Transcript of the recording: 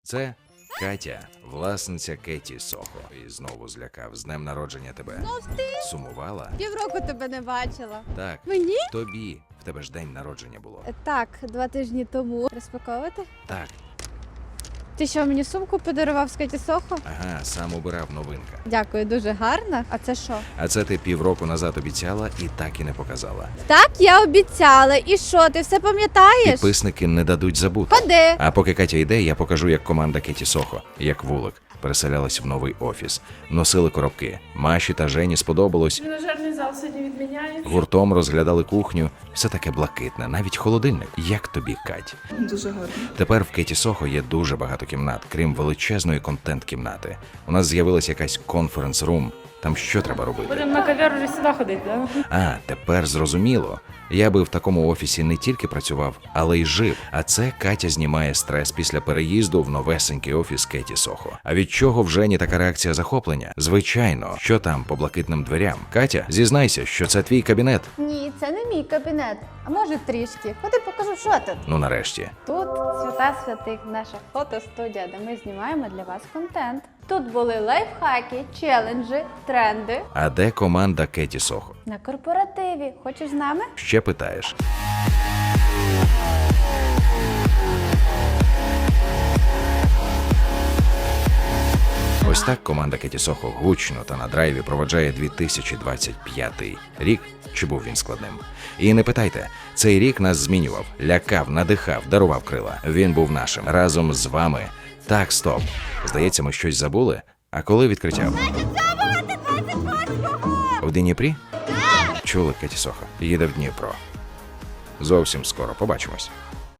Це Катя, власниця Кеті Сохо. І знову злякав. З днем народження тебе. Знов ти? Сумувала? Півроку тебе не бачила. Так. Мені? Тобі. В тебе ж день народження було. Так, 2 тижні тому. Розпаковувати? Так. Ти що, мені сумку подарував з Кеті Сохо? Ага, сам обирав, новинка. Дякую, дуже гарна. А це що? А це ти півроку назад обіцяла і так і не показала. Так, я обіцяла. І що, ти все пам'ятаєш? Підписники не дадуть забути. Ходи. А поки Катя йде, я покажу, як команда Кеті Сохо, як вулик, переселялась в новий офіс. Носили коробки. Маші та Жені сподобалось. Тренажерний зал сьогодні відміняє. Гуртом розглядали кухню. Все таке блакитне, навіть холодильник. Як тобі, Кать? Дуже гарно. Тепер в Кеті Сохо є дуже багато кімнат, крім величезної контент-кімнати. У нас з'явилася якась конференц-рум. Там що треба робити? Будемо на кав'яр вже сюди ходити, да? А, тепер зрозуміло. Я би в такому офісі не тільки працював, але й жив. А це Катя знімає стрес після переїзду в новесенький офіс Кеті Сохо. А від чого в Жені така реакція захоплення? Звичайно, що там по блакитним дверям? Катя, зізнайся, що це твій кабінет. Ні, це не мій кабінет. А може трішки. Ходи покажу, що тут. Ну нарешті. Тут свята святих, наша фотостудія, де ми знімаємо для вас контент. Тут були лайфхаки, челенджі, тренди. А де команда Кеті Сохо? На корпоративі. Хочеш з нами? Ще питаєш? Ось так команда Кеті Сохо гучно та на драйві проводжає 2025 рік, чи був він складним. І не питайте, цей рік нас змінював, лякав, надихав, дарував крила. Він був нашим, разом з вами. Так, стоп. Здається, ми щось забули? А коли відкриття? В Дніпрі? Чули, Кеті Сохо? Їде в Дніпро. Зовсім скоро побачимось.